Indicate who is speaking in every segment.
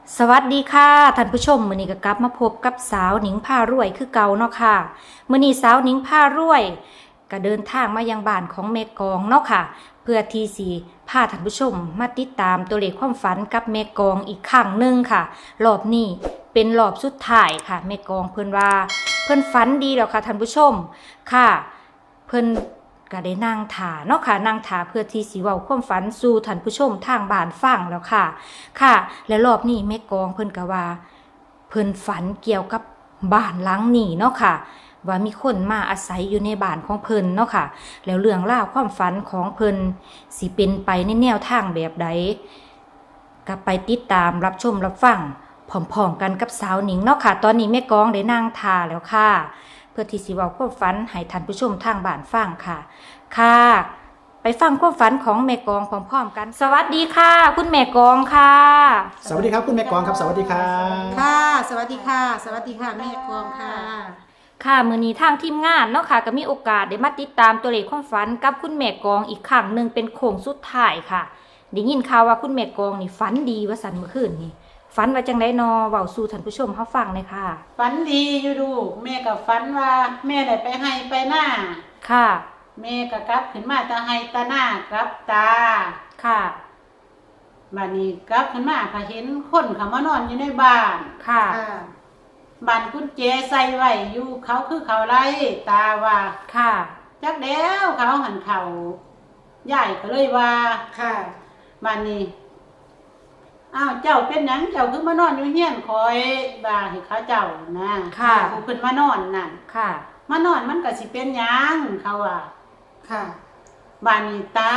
Speaker 1: สวัสดีค่ะท่านผู้ชมมื้อนี้ก็กลับมาพบกับสาวหนิงผ้ารวยคือเก่าเนาะค่ะมื้อนี้สาวหนิงผ้ารวยก็เดินทางมายังบ้านของแม่กองเนาะค่ะเพื่อที่สิพาท่านผู้ชมมาติดตามตัวเลขความฝันกับแม่กองอีกครั้งหนึ่งค่ะรอบนี้เป็นรอบสุดท้ายค่ะแม่กองเพิ่นว่าเพิ่นฝันดีแล้วค่ะท่านผู้ชมค่ะเพิ่นก็ได้นั่งถาเนาะค่ะนั่งถาเพื่อที่สิเว้าความฝันสู่ท่านผู้ชมทางบ้านฟังแล้วค่ะ ค่ะและรอบนี้แม่กองเพิ่นก็ว่าเพิ่นฝันเกี่ยวกับบ้านหลังนี้เนาะค่ะว่ามีคนมาอาศัยอยู่ในบ้านของเพิ่นเนาะค่ะแล้วเรื่องราวความฝันของเพิ่นสิเป็นไปในแนวทางแบบใดก็ไปติดตามรับชมรับฟังพร้อมๆกันกับสาวหนิงเนาะค่ะตอนนี้แม่กองได้นั่งทาแล้วค่ะเพื่อที่สิเว้าความฝันให้ท่านผู้ชมทางบ้านฟังค่ะค่ะไปฟังความฝันของแม่กองพร้อมๆกันสวัสดีค่ะคุณแม่กองค่ะ
Speaker 2: สวัสดีครับคุณแม่กองครับสวัสดีครับ
Speaker 3: ค่ะสวัสดีค่ะสวัสดีค่ะแม่กองค่ะ
Speaker 1: ค่ะมื้อนี้ทางทีมงานเนาะค่ะก็มีโอกาสได้มาติดตามตัวเลขความฝันกับคุณแม่กองอีกครั้งหนึ่งเป็นโค้งสุดท้ายค่ะได้ยินข่าวว่าคุณแม่กองนี่ฝันดีว่าสันเมื่อคืนนี่ฝันว่าจังไดนอเว้าสู่ท่านผู้ชมเฮาฟังเลยค่ะ
Speaker 3: ฝันดีอยู่ดูแม่กับฝันว่าแม่ได้ไปให้ไปหน้า
Speaker 1: ค่ะ
Speaker 3: แม่ก็กลับขึ้นมาตาให้ตาหน้ากลับตา
Speaker 1: ค่ะ
Speaker 3: บัดนี้กลับขึ้นมาก็เห็นคนเขามานอนอยู่ในบ้าน
Speaker 1: ค่ะ
Speaker 3: บ้านกุญแจใส่ไว้อยู่เขาคือเขาไล่ตาว่า
Speaker 1: ค่ะ
Speaker 3: จักแล้วเขาหันเขาใหญ่ก็เลยว่า
Speaker 4: ค่ะ
Speaker 3: บ้านนี้อ้าวเจ้าเป็นหยังเจ้าคือมานอนอยู่เฮียนคอยบ่าให้เขาเจ้านะ
Speaker 1: ค่ะ
Speaker 3: ผู้เพิ่นมานอนนั่น
Speaker 1: ค่ะ
Speaker 3: มานอนมันก็สิเป็นหยังเขาว่า
Speaker 4: ค่ะ
Speaker 3: บ้านนี้ตา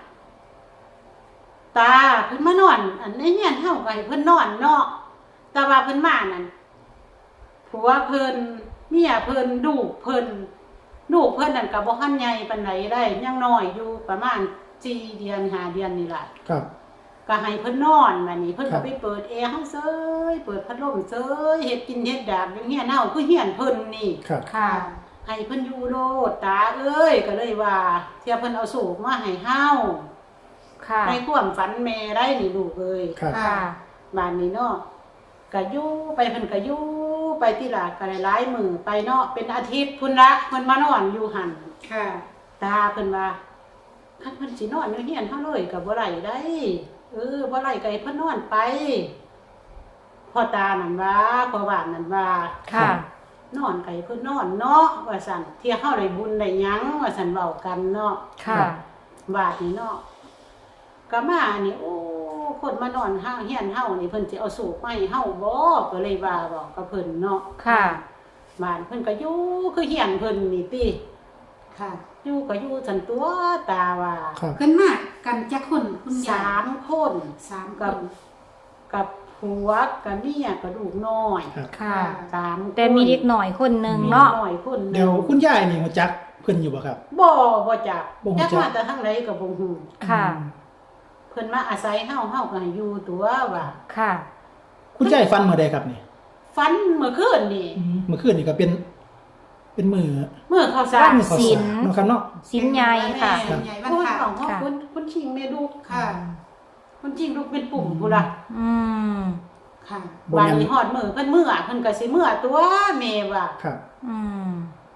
Speaker 3: เพิ่นมานอน อันในเฮียนเฮาก็ให้เพิ่นนอนเนาะแต่ว่าเพิ่นมานั่นผัวเพิ่นเมียเพิ่นลูกเพิ่นนั่นก็บ่ทันใหญ่ปานใดได้ยังน้อยอยู่ประมาณ4เดือน5เดือนนี่ล่ะ
Speaker 2: ครับ
Speaker 3: ก็ให้เพิ่นนอนบัดนี้เพิ่น
Speaker 2: ครั
Speaker 3: ก็
Speaker 2: บ
Speaker 3: ไปเปิดแอร์เฮาเซยเปิดพัดลมเซยเฮ็ดกินเฮ็ดดาบอยู่เฮียนเฮาคือเฮียนเพิ่นนี่
Speaker 2: ครับ
Speaker 1: ค่ะ
Speaker 3: ให้เพิ่นอยู่โลดตาเอ้ยก็เลยว่าเที่ยเพิ่นเอาสูบมาให้เฮา
Speaker 1: ค่ะ
Speaker 3: ในความฝันแม่ได้นี่ลูกเอ้ย
Speaker 2: ครับ
Speaker 1: ค่ะ
Speaker 3: บ้านนี้เนาะก็อยู่ไปเพิ่นก็อยู่ไปที่ลาก็หลายมื้อไปเนาะเป็นอาทิตย์พุ่นละเพิ่นมานอนอยู่หั่น
Speaker 4: ค่ะ
Speaker 3: ตาเพิ่นว่าคันเพิ่นสินอนอยู่เฮียนเฮาเลยก็บ่ได้ได้บ่ได้ก็ให้เพิ่นนอนไปพ่อตานั่นว่าพ่อบ้านนั่นว่า
Speaker 1: ค่ะ
Speaker 3: นอนไก่เพิ่นนอนเนาะว่าซั่นเที่ยเฮาได้บุญได้หยังว่าซั่นเว้ากันเนาะ
Speaker 1: ค่ะ
Speaker 3: บาดนี้เนาะก็มานี่โอ้คนมานอนห้างเฮียนเฮานี่เพิ่นสิเอาสูบมาให้เฮาบ่ก็เลยว่าบอกกับเพิ่นเนาะ
Speaker 1: ค่ะ
Speaker 3: บ้านเพิ่นก็อยู่คือเฮียนเพิ่นนี่ติ
Speaker 4: ค่ะ
Speaker 3: อยู่ก็อยู่ซั่นตัวตาว่า
Speaker 2: ครับ
Speaker 4: ขึ้นมากันจักคนคุณยาย
Speaker 3: 3คน
Speaker 4: สามค
Speaker 3: กับ
Speaker 4: น
Speaker 3: กับผัวกับเมียกับลูกน้อย
Speaker 2: ครับ
Speaker 1: ค่ะ
Speaker 3: 3คน
Speaker 1: แต่มีเด็กหน่อยคนหนึ่งเนาะ
Speaker 3: มีน้อยคนหนึ่ง
Speaker 2: เดี๋ยวคุณยายนี่หัวจักเพิ่นอยู่บ่ครับ
Speaker 3: บ่จัก
Speaker 2: บ่รู้จั
Speaker 3: จั
Speaker 2: ก
Speaker 3: กมาแต่ทางไหนก็บ่ฮู้
Speaker 1: ค่ะ
Speaker 3: เพิ่นมาอาศัยเฮาก็ให้อยู่ตัวว่า
Speaker 1: ค่ะ
Speaker 2: คุณยายฟันเมื่อใดครับนี่
Speaker 3: ฝันเมื่อคืนนี่
Speaker 2: เมื่อคืนนี่ก็เป็นมือ
Speaker 3: เมื่อเขาสร้า
Speaker 1: วั
Speaker 3: ง
Speaker 1: น
Speaker 2: มือข้าว
Speaker 1: ศี
Speaker 2: สา
Speaker 1: ล
Speaker 2: รเนาะครับเนาะ
Speaker 1: สินใหญ่ค่ะ
Speaker 4: เป็นใหญ่วัน
Speaker 3: คุณ
Speaker 4: ค่ะ
Speaker 3: ของเฮา
Speaker 1: ค่ะ
Speaker 3: คุณชิงแม่ลูก
Speaker 4: ค่ะ
Speaker 3: คุณชิงลูกเป็นปุ่มพุ่นล่ะ
Speaker 1: อืม
Speaker 4: ค่ะ
Speaker 3: บานนี้ฮอดมื้อเพิ่นเพิ่นก็สิมื้อตัวแม่ว่า
Speaker 2: ครับ
Speaker 1: อืม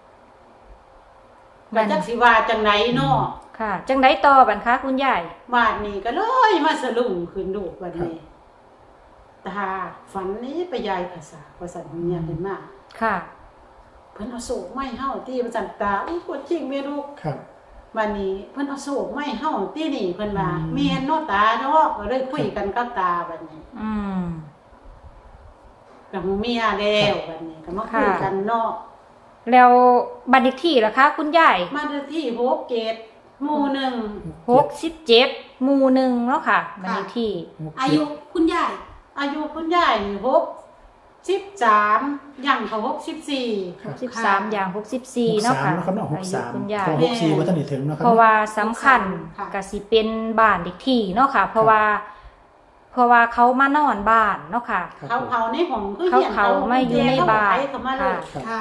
Speaker 3: ก็จักสิว่าจังไดเนาะ
Speaker 1: ค่ะ จังไดต่อบัดคะคุณยาย
Speaker 3: บาดนี้ก็เลยมาสลุงขึ้นลูกบัดนี้ตาฝันนี้ไปยายภาษาภาษาเมียเพิ่นมา
Speaker 1: ค่ะ
Speaker 3: เพิ่นเอาโศกไม้เฮาตีมันสั่นตาอุ้ยปวดจริงแม่ลูก
Speaker 2: ครับ
Speaker 3: วันนี้เพิ่นเอาโศกไม้เฮาตีนี่เพิ่นว่า
Speaker 2: อืม
Speaker 3: แม่นเนาะตาเนาะก็เลยคุยกันกับตาบัดนี้
Speaker 1: อืม
Speaker 3: กับเมียแล้วบัดนี้ก็มาคุยกันเนาะ
Speaker 1: แล้วบัตรเลขที่ล่ะคะ คุณยาย
Speaker 3: มาที่6เกตหมู่หนึ่ง
Speaker 1: 67หมู่หนึ่งเนาะค่ะบัตรเลขที่
Speaker 4: อายุคุณยาย
Speaker 3: อายุคุณยายนี่63ย่างเขา64
Speaker 2: ครับ
Speaker 1: 63อย่าง64เนาะค่ะ
Speaker 2: 63นะครับเนาะ
Speaker 1: อายุคุณยาย
Speaker 2: 63ก็64บ่ทันได้ถึงเนาะครับ
Speaker 1: เพราะว่าสำคัญก็สิเป็นบ้านเลขที่เนาะค่ะ เพราะว่าเขามานอนบ้านเนาะค่ะ
Speaker 2: ครับ
Speaker 3: เขาในห้องคือ
Speaker 1: เขาไม่อยู่ในบ้าน
Speaker 3: เขามาเลย
Speaker 2: ครับ
Speaker 4: ค่ะ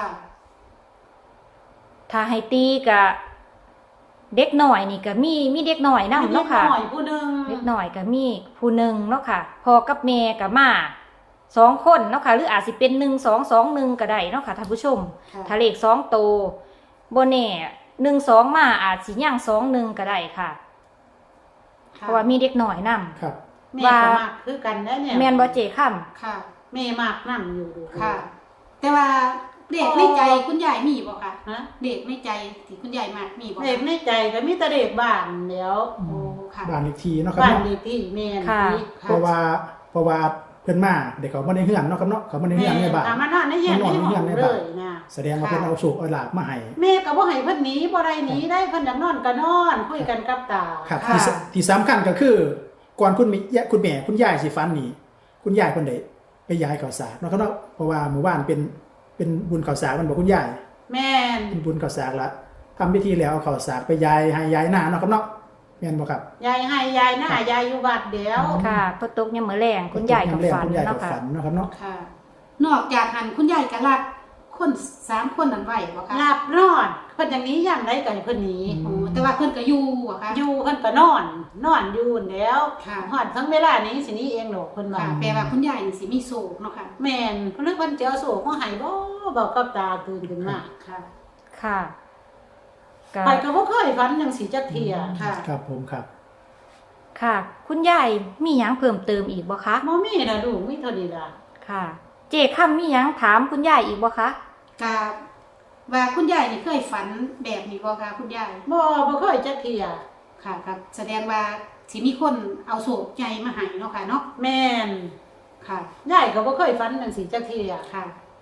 Speaker 1: ถ้าให้ตีก็เด็กหน่อยนี่ก็มีเด็กหน่อยนำเนาะค่ะ
Speaker 3: มีด็กน้อยผู้หนึง
Speaker 1: เด็กหน่อยก็มีผู้หนึ่งเนาะค่ะพ่อกับแม่ก็มา 2คนเนาะค่ะหรืออาจสิเป็น1221ก็ได้เนาะค่ะท่านผู้ชม
Speaker 4: ค่ะ
Speaker 1: ถ้าเลข2ตัวบ่แน่12มาอาจสิย่าง21ก็ได้ค่ะ เพราะว่ามีเด็กน้อยนำ
Speaker 2: ครับ
Speaker 3: แม่ก็มากคือกันได้เนี่ย
Speaker 1: แม่นบ่เจค่ำ
Speaker 4: ค่ะ
Speaker 3: แม่มากนํอยู่
Speaker 4: ค่ะ แต่ว่าเด็กในใจคุณยายมีบ่คะ
Speaker 3: ฮะ
Speaker 4: เด็กในใจที่คุณยายมากมีบ่คะ
Speaker 3: เด็กในใจก็มีแต่เด็กบ้านเดี๋ยว
Speaker 4: โอ้ค่ะ
Speaker 2: บ้านเลขที่เนาะครับ
Speaker 3: บ้าน
Speaker 2: เนาะ
Speaker 3: เลขที่แม่น
Speaker 1: ค่ะ
Speaker 3: ที่
Speaker 2: เพราะว่าเพิ่นมาเด็กเขาบ่ได้เฮือนเนาะครับเนาะเขาบ่ได้เฮือนในบ้าน
Speaker 3: มานอนในเฮียน
Speaker 2: มานอน
Speaker 3: ใน
Speaker 2: ใน
Speaker 3: ห้
Speaker 2: เฮื
Speaker 3: อ
Speaker 2: อน
Speaker 3: ง
Speaker 2: ใน
Speaker 3: เล
Speaker 2: บ้าน
Speaker 3: ยนะ
Speaker 2: แสดงว่าเพิ่นเอาโชคเอาลาภมาให้
Speaker 3: แม่ก็บ่ให้เพิ่นหนีบ่ได้หนีได้เพิ่นอยากนอนก็นอนคุยกันกับตา
Speaker 2: ครับ
Speaker 4: ค่ะ
Speaker 2: ที่สำคัญก็คือก่อนคุณแม่คุณยายสิฝันนี่คุณยายเพิ่นได้ไปย้ายข้าวสารเนาะครับเนาะเพราะว่าเมื่อวานเป็นบุญข้าวสารมันบอกคุณยาย
Speaker 3: แม่น
Speaker 2: เป็นบุญข้าวสารละทำพิธีแล้วเอาข้าวสารไปย้ายให้ย้ายหน้าเนาะครับเนาะแม่นบ่ครับ
Speaker 3: ยายให้ยายหน้ายายอยู่วัดเดี๋ยว
Speaker 1: ค่ะพอตกยามมื้อแลงคุณยายก็ฝัน
Speaker 2: คุณยายก็
Speaker 1: เนาะค่ะ
Speaker 2: ฝันเนาะครับเนาะ
Speaker 4: ค่ะ นอกจากหันคุณยายก็รับคน3คนนั้นไว้บ่คะ
Speaker 3: หลับนอนเพิ่นอย่างนี้ยามใดก็ให้เพิ่นหนี
Speaker 4: โอ้แต่ว่าเพิ่นก็อยู่อะค่ะ
Speaker 3: อยู่เพิ่นก็นอนอยู่แล้ว
Speaker 4: ค่ะ
Speaker 3: ฮอดทั้งเวลานี้สิหนี้เองดอกเพิ่นว่า
Speaker 4: ค่ะแปลว่าคุณยายนี่สิมีโศกเนาะค่ะ
Speaker 3: แม่นเพิ่นเพิ่นจะเอาโศกมาให้บ่บอกกับตาตื่นขึ้นมา
Speaker 4: ค่ะ
Speaker 1: ค่ะก็
Speaker 3: ไปก็บ่เคยฝันจังสิจักเที่ย
Speaker 4: ค่ะ
Speaker 2: ครับผมครับ
Speaker 1: ค่ะ คุณยายมีหยังเพิ่มเติมอีกบ่คะ
Speaker 3: บ่มีน่ะลูกมีเท่านี้ล่ะ
Speaker 1: ค่ะ เจค่ำมีหยังถามคุณยายอีกบ่คะ
Speaker 4: ก็ว่าคุณยายนี่เคยฝันแบบนี้บ่คะคุณยาย
Speaker 3: บ่เคยจักเที่ย
Speaker 4: ค่ะครับแสดงว่าสิมีคนเอาโศกใหญ่มาให้เนาะค่ะเนาะ
Speaker 3: แม่น
Speaker 4: ค่ะ
Speaker 3: ยายก็บ่เคยฝันจังสิจักเที่ย
Speaker 4: ค่ะ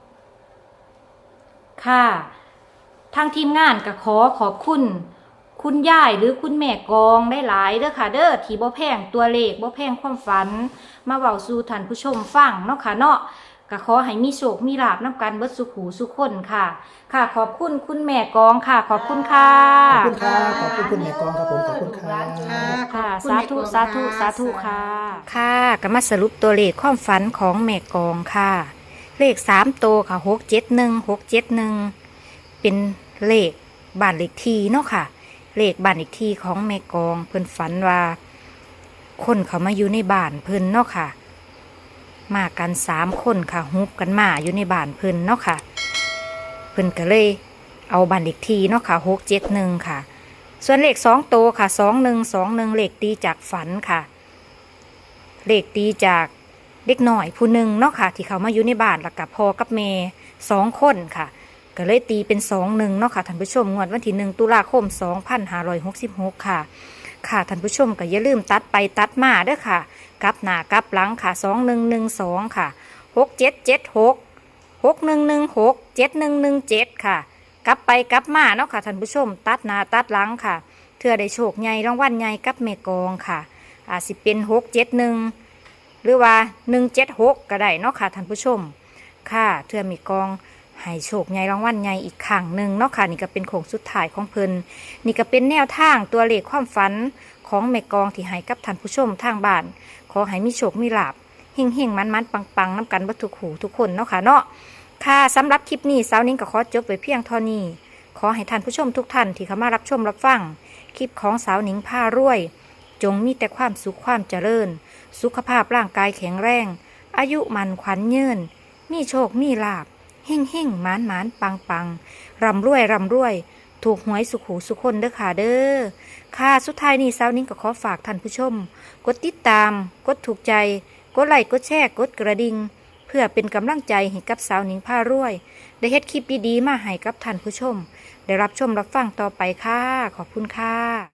Speaker 1: ค่ะ ทางทีมงานก็ขอขอบคุณ คุณยายหรือคุณแม่กองได้หลายเด้อค่ะเด้อที่บ่แพงตัวเลขบ่แพงความฝัน มาเว้าสู่ท่านผู้ชมฟังเนาะค่ะเนาะก็ขอให้มีโชคมีลาภนำกันเบิดสุขหูสุขคนค่ะ ค่ะ ขอบคุณคุณแม่กองค่ะ ขอบคุณค่ะ
Speaker 2: ขอบคุณครับขอบคุณคุณแม่กองครับผมขอบคุณครับ
Speaker 4: ค่ะ
Speaker 1: ค่ะ
Speaker 4: ขอบ
Speaker 1: สา
Speaker 4: คุณ
Speaker 1: ธุ
Speaker 4: แม่กอง
Speaker 1: สาธุ
Speaker 4: ค่ะ
Speaker 1: สาธุค่ะ ค่ะก็มาสรุปตัวเลขความฝันของแม่กองค่ะ เลข3ตัวค่ะ671เป็นเลขบ้านเลขที่เนาะค่ะ เลขบ้านเลขที่ของแม่กองเพิ่นฝันว่า คนเขามาอยู่ในบ้านเพิ่นเนาะค่ะ มากัน3คนค่ะฮุบกันมาอยู่ในบ้านเพิ่นเนาะค่ะ เพิ่นก็เลยเอาบ้านเลขที่เนาะค่ะ671ค่ะ ส่วนเลข2ตัวค่ะ2121เลขตีจากฝันค่ะ เลขตีจากเด็กหน่อยผู้หนึ่งเนาะค่ะ ที่เขามาอยู่ในบ้านแล้วกับพ่อกับแม่2คนค่ะ ก็เลยตีเป็น21เนาะค่ะท่านผู้ชมงวดวันที่1ตุลาคม2566ค่ะ ค่ะท่านผู้ชมก็อย่าลืมตัดไปตัดมาเด้อค่ะกลับหน้ากลับหลังค่ะ2112ค่ะ6776 6116 7117ค่ะกลับไปกลับมาเนาะค่ะท่านผู้ชมตัดหน้าตัดหลังค่ะเทื่อได้โชคใหญ่รางวัลใหญ่กับแม่กองค่ะอาจสิเป็น671หรือว่า176ก็ได้เนาะค่ะท่านผู้ชมค่ะเทื่อแม่กองให้โชคใหญ่รางวัลใหญ่อีกครั้งหนึ่งเนาะค่ะนี่ก็เป็นโค้งสุดท้ายของเพิ่นนี่ก็เป็นแนวทางตัวเลขความฝันของแม่กองที่ให้กับท่านผู้ชมทางบ้านขอให้มีโชคมีลาภเฮงๆมันๆปังๆน้ำกันบัดทุกหูทุกคนเนาะค่ะเนาะค่ะสำหรับคลิปนี้สาวนิ้งก็ขอจบไว้เพียงเท่านี้ขอให้ท่านผู้ชมทุกท่านที่เข้ามารับชมรับฟังคลิปของสาวนิ้งพารวย จงมีแต่ความสุขความเจริญ สุขภาพร่างกายแข็งแรง อายุมันขวัญยืนมีโชคมีลาภเฮ่งเฮ่งหมานหมานปังปังร่ำรวยร่ำรวย ถูกหวยสุขหูสุขคนเด้อค่ะเด้อค่ะสุดท้ายนี้สาวนิ้งก็ขอฝากท่านผู้ชม กดติดตาม กดถูกใจ กดไลค์กดแชร์กดกระดิ่งเพื่อเป็นกำลังใจให้กับสาวนิ้งพารวย ได้เฮ็ดคลิปดีๆมาให้กับท่านผู้ชม ได้รับชมรับฟังต่อไปค่ะขอบคุณค่ะ